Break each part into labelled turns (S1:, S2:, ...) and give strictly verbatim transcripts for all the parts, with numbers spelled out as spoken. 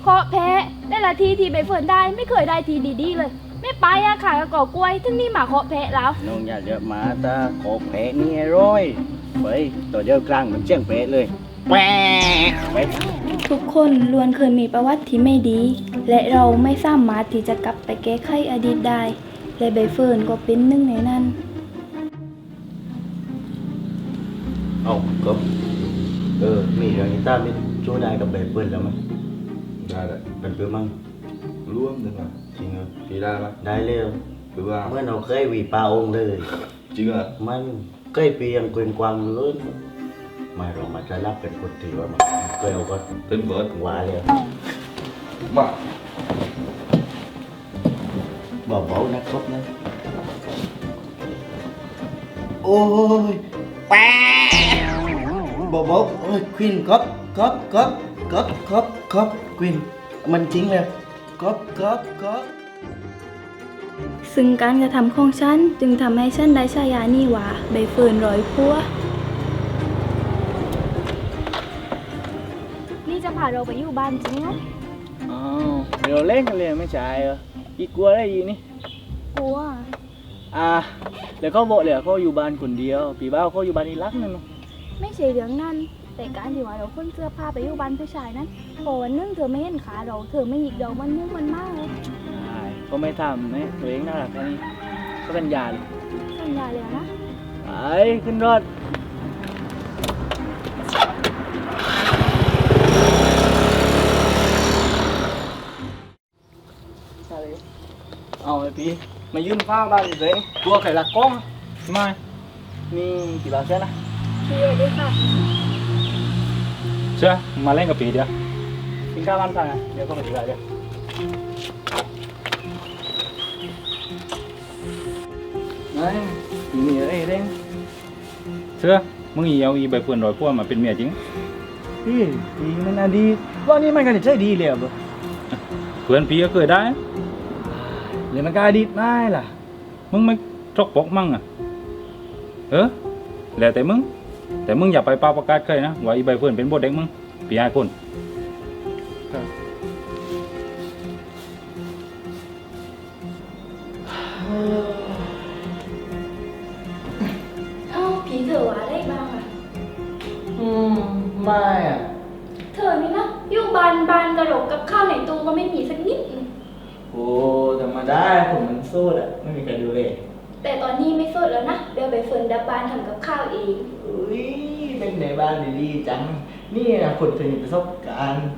S1: เคาะแพ้ได้ละทีที่ใบเฟิร์นได้ไม่เคยได้ทีดีๆเลยไม่ไปอะขายกระก่อกล้วยถึงนี่หมาเคาะแพ้แล้ว
S2: น้องอย่าเยอะมาตาขอแผลนี่ไอ้ร้อยไปตัวเดียวกลางเหมือนเชียงแผลเลยแปะไป
S1: ทุกคนล้วนเคยมีประวัติที่ไม่ดีและเราไม่สามารถที่จะกลับไปแก้ไขอดีตได้และใบเฟิร์นก็เป็นหนึ่งในนั้น
S2: เอาก็เออมีเรื่องนี้ตามไม่ช่วยได้กับแบบเบิ้ลแล้วมั้ย
S3: ได้เลย
S2: เป็นเพื่อมั้ง
S3: ร่วมหนึ่งอ่ะ
S2: จริงเหรอ
S3: พี่ได้ไหม
S2: ได้เร็ว
S3: หรือว่า
S2: เมื่อเราเคยวีปลาองเลย
S3: จริงเหรอ
S2: มันเคยเปียงเกวียนกวางเลยไม่เรามาจะรับเป็นคนที่ว่ามันเคยเอาก็
S3: เป็นเบิร์ด
S2: หวานเลย
S3: มา
S2: เบาๆนะครับนะโอ้ยแปะเบาๆโอ้ยควินก๊อปก๊อปก๊อปก๊อปก๊อปก๊อปควินมันจริงเลยก๊อปก๊อปก๊อป
S1: ซึ่งการกระทำของฉันจึงทำให้ฉันได้ฉายานี้ว่าใบเฟิร์นร้อยพัวนี่จะพาเราไปอยู่บ้านจริงเหรอ
S2: อ๋อเดี๋ยวเล่นกันเลยไม่ใช่เหรออีกกลัวได้ยีนี่
S1: กลัว
S2: อ่าแล้วก็บอกเลยเขาอยู่บ้านคนเดียวปีบ้าเขาอยู่บ้านอีรักนั่นเนาะ
S1: ไม่ใช่เรื่องนั้นแต่การที่ว่าเราคนเสื้อผ้าไปอยู่บ้านผู้ชายนั้นพอวันนึงเธอไม่เห็นขาเราเธอไม่หยิกเรามันมุ่งมันมากเลย
S2: ใช่ก็ไม่ทำนะตัวเองน่ารักแค่นี้ก็สัญญาเลย
S1: สัญญาเลยนะ
S2: ไปขึ้นรถเอาไอ้พี่มายืนข้าวบ้านอยู่เลยกลัวใครลักกล้องไม่นี่กี่บาทเช่นะ
S1: พี่ด้วยค่ะ
S3: เชื่อมาเล่นกับปีเดียว
S2: กินข้าวบ้านสั่งอ่ะเดี๋ยวก็มาดีกว่าเดี๋ยวไม่มีอะไรเร่ง
S3: เชื่อมึงเอาอีใบเฟิร์นร้อยพวกมาเป็นเมียจริง
S2: พี่ดีมันอดีตว่านี่มันกันใช่ดีเลยอ่ะบ่
S3: เพื่อนพี่ก็เคยได้
S2: หรือมันก็อดีตไม่ล่ะ
S3: มึงไม่จกปกมั่งอ่ะเออแล้วแต่มึงแต่มึงอย่าไปปาประกาศใครนะว่าอีใบเฟิร์นเป็นบทเด็กมึงพี่ให้คน
S1: เอ้าผีเธอว่าได้บ้างอ่ะ
S2: อืมไม่อ่ะ
S1: เธอนี่นะอยู่บ้านบ้านกระโหลกกับข้าวในตู้ก็ไม่มีสักนิด
S2: โอ้ธรรมดาผมมันโซ่อะไม่มีใครดูเลย
S1: แต่ตอนนี้ไม่สดแล้วนะเดี๋ยวไปเฟิร์นดับบ้านทำกับข้าวเอง
S2: อุ้ยเป็นในบ้านดีๆจังนี่นะคนเคยมีประสบการณ์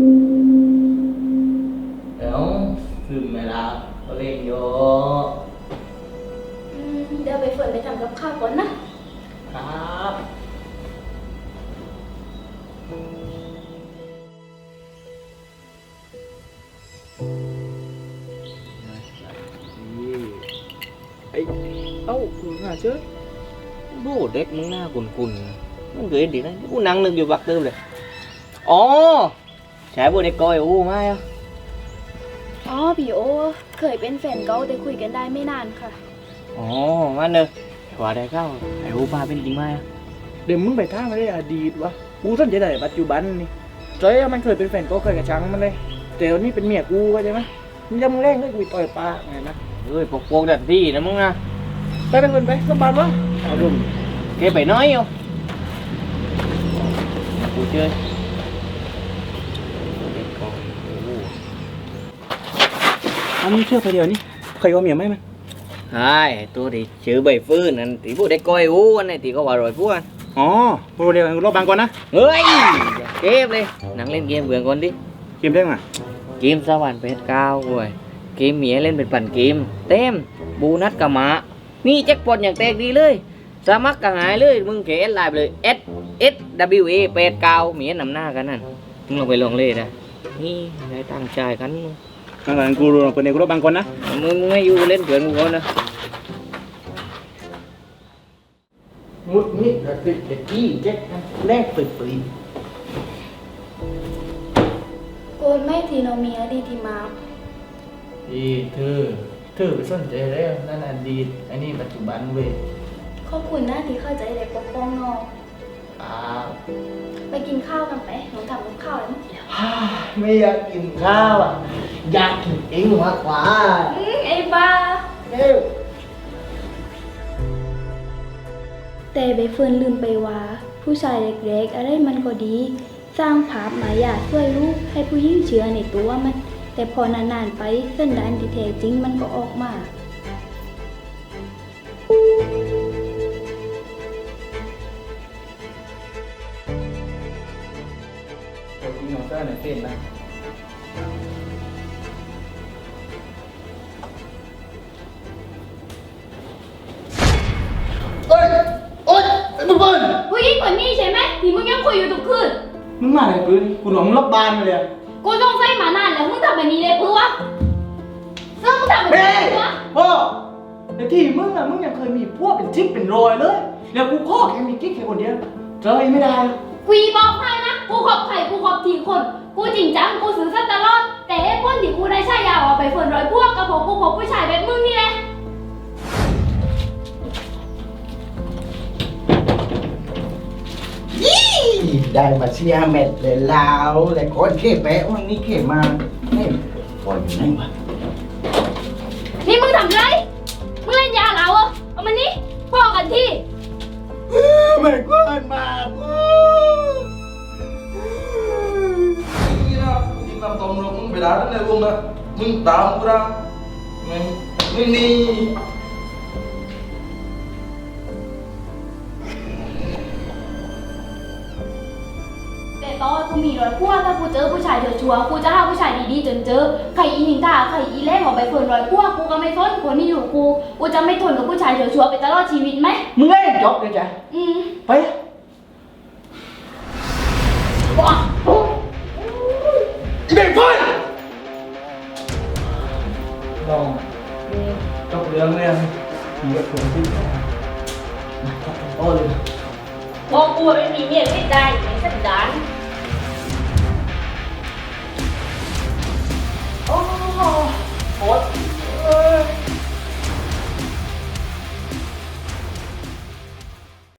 S2: เดี๋ยวซึมไม่รับก็เล่นโย
S1: อืมเดี๋ยวไปเฟิร์นไปทำกับข้าวก่อนนะครับ
S2: ไอ้เอ้าคุณหาเชื่อโบเด็กมึงหน้ากุนกุนมันเกิดดีนะกูนั่งนึกอยู่บักเติมเลยอ๋อใช่โบเด็กก้อยโอ้ไม่อ่ะ
S1: อ๋อพี่โอเคยเป็นแฟนเก่าแต่คุยกันได้ไม่นานค่ะ
S2: อ๋อมันเนอะว่าได้เข้าไอ้โอป้าเป็นจริงไหมอ่ะเดี๋ยวมึงไปท่ามาได้อดีตวะกูสนใจแต่ปัจจุบันนี่เจ๊มันเคยเป็นแฟนเก่าเคยกับช้างมันเลยแต่ตอนนี้เป็นเมียกูเข้าใจไหมมึงจะมึงแรงก็กูต่อยปลาไงนะเฮ้ยพวกพวกดัดดีนะมึงนะไปไปคนไปสบายมั้งเอาดุมเก็บไปน้อยอยู่กูเจออันนี้เชื่อไปเดียวนี่ใครว่าเมียไหมมันใช่ตัวที่ชื่อใบฟื้นนั่นที่พูดได้ก้อยอู้อันนี้ที่เขาว่าร่อยพวกอ๋อโปรเดียวรอบบางก่อนนะเฮ้ยเก็บเลยนั่งเล่นเกมเบื่อก่อนดิ
S3: เกมได้ไหม
S2: เกมสวรรค์เพชรเก้าเว้ยเกมเมียเล่นเป็นปั่นเกมเต็มบูนัดกะมะมีแจ็คพอตอย่างแตกดีเลยสมัครกะหายเลยมึงเขียนไลน์ไปเลย S S W A แปดเก้าเมียนำหน้ากันนั่นมึงลองไปลองเล่นนะนี่ได้ตั้งใจกัน
S3: นั่นแหละกูรู้เป็นเด็กรบบางคนนะ
S2: มึงไม่อยู่เล่นเกินกูก่อนนะมุดมิดระติดเด็กกี้แจ็คแรกเปิดปี
S1: โกนไม่ทีโนเมียดีทีมา
S2: ดีเธอเธอไปสนใจแล้วนั่นอดีตอันนี้ปัจจุบันเว้ย
S1: ขอบคุณนะที่เข้าใจเด็กปกป้องน้อง
S2: อ่า
S1: ไปกินข้าวกันไปหนูทำกับข้าวแล้ว
S2: ไม่อยากกินข้าวอ่ะอยากกินเองมากกว่า
S1: อืมไอ้บ้า
S2: เร็ว
S1: แต่ใบเฟิร์นลืมไปว่า ผู้ชายเล็กๆอะไรมันก็ดี สร้างภาพมายาช่วยลูกให้ผู้หญิงเชื่อในตัวมัน แต่พอนานๆไปสันดานที่แท้จริงมันก็ออกมา
S2: ตัวจริงของเจ้าไหนเป็นไหมเอ้ยโอ๊ยไอ้บุญเบิ้ล
S1: ผู้หญิงคนนี้ใช่ไหมที่มึงยังคุยอยู่ทุกคืน
S2: มึงมาไหนปืนกูหลงรับบานมาเลยอะ
S1: กูต้องใส่มานานแล้วมึงทำแบบนี้เลยเพื่อเสื้อมึงทำแบบ
S2: เฮ้
S1: นี้
S2: ย
S1: เพื่อ
S2: พ่อในที่มึงอะมึงยังเคยมีพวกเป็นทิศเป็นรอยเลยแล้วกูข้อแค่มีกิ๊กแค่คนเดียวเจออีกไม่ได้หรอก
S1: กูบอกให้นะกูขอบไข่กูขอบทีคน กูจริงจังกูสื่อสัตย์ตลอด แต่ไอ้คนที่กูได้ใช้ยาว่าไปเฟิร์นร้อยพวกกับผมกูขอบผู้ชายแบบมึงนี่แหละ
S4: ได้มาเชียร์เม็ดเลยลาวแต่คนเข็บแปะวันนี้เข็บมาเนี่ยปล่อยอยู่ไหนวะ
S1: นี่มึงทำไรมึงเล่นยาเหรอเอามานี่พ่อกันที่
S4: ไม่ควรมากูนี่นะมึงทำตรงลงมึงไปด่าท่านในวงนะมึงตามกูนะมึงมึงนี่
S1: แต่ตอนกูมีร้อยพวกถ้ากูเจอผู้ชายชัวร์ๆกูจะหาผู้ชายดีๆจนเจอใครอีนินทาใครอีแรกออกไปเฟิร์นร้อยพวกกูก็ไม่ทนคนนี้อยู่กูกูจะไม่ทนกับผู้ชายชัวร์ๆไปตลอดชีวิตไหม
S2: มึงเล่นจบเลยจ้ะ
S1: อืม
S2: ไป
S1: ว้า
S2: อีเบกเฟิร์นลองจบเรื่องเลยมีกับคนที่โอ้เลย
S1: บอกกูไม่มีเมียไม่ได้ในสันดาน